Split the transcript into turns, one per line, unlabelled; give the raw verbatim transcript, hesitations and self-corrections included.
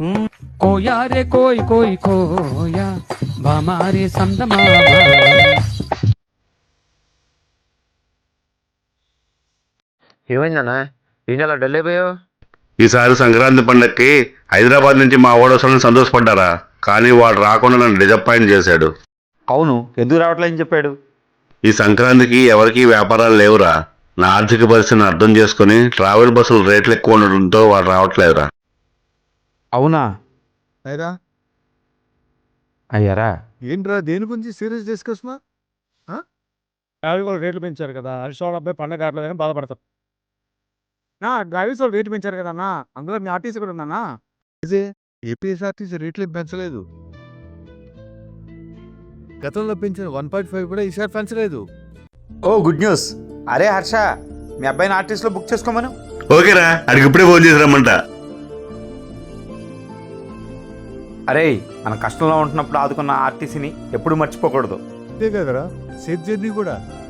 కోయా రే కోయ్ కోయ్ కోయా బామారే సందమా.
ఏమైందన్నా ఏం చాలా డల్ అయిపోయావు?
ఈసారి సంక్రాంతి పండక్కి హైదరాబాద్ నుంచి మా ఓడోసలను సంతోషపడ్డారా, కానీ వాడు రాకుండా నన్ను డిసప్పాయింట్ చేశాడు.
అవును, ఎందుకు రావట్లేదని చెప్పాడు?
ఈ సంక్రాంతికి ఎవరికీ వ్యాపారాలు లేవురా. నా ఆర్థిక పరిస్థితిని అర్థం చేసుకుని ట్రావెల్ బస్సులు రేట్లు ఎక్కువ ఉండడంతో వాడు రావట్లేదురా.
అవునా?
అయిరా
అయ్యారా?
ఏంట్రా దేని గురించి సీరియస్ డిస్కస్ మా
డ్రైవర్ వాళ్ళు రేట్లు పెంచారు కదా, హరీష్ వాళ్ళ అబ్బాయి పండగ కావట్లేదని బాధపడతారు. నా డ్రైవర్స్ వాళ్ళు రేట్లు పెంచారు కదా అన్న, అందులో మీ ఆర్టీసీ కూడా ఉందన్నా.
ఏపీఎస్ఆర్టీసీ రేట్లు పెంచలేదు. గతంలో పెంచిన వన్ పాయింట్ ఫైవ్ కూడా ఈసారి పెంచలేదు.
Oh good news. అరే హర్ష, మీ అబ్బాయిని ఆర్టీసీలో బుక్ చేసుకోమను.
ఓకేరా, అడిగి ఇప్పుడే ఫోన్ చేసి రమ్మంట.
అరే, మన కష్టంలో ఉంటున్నప్పుడు ఆదుకున్న ఆర్టీసీని ఎప్పుడు మర్చిపోకూడదు.
అంతే కదరా, సేఫ్ జర్నీ కూడా.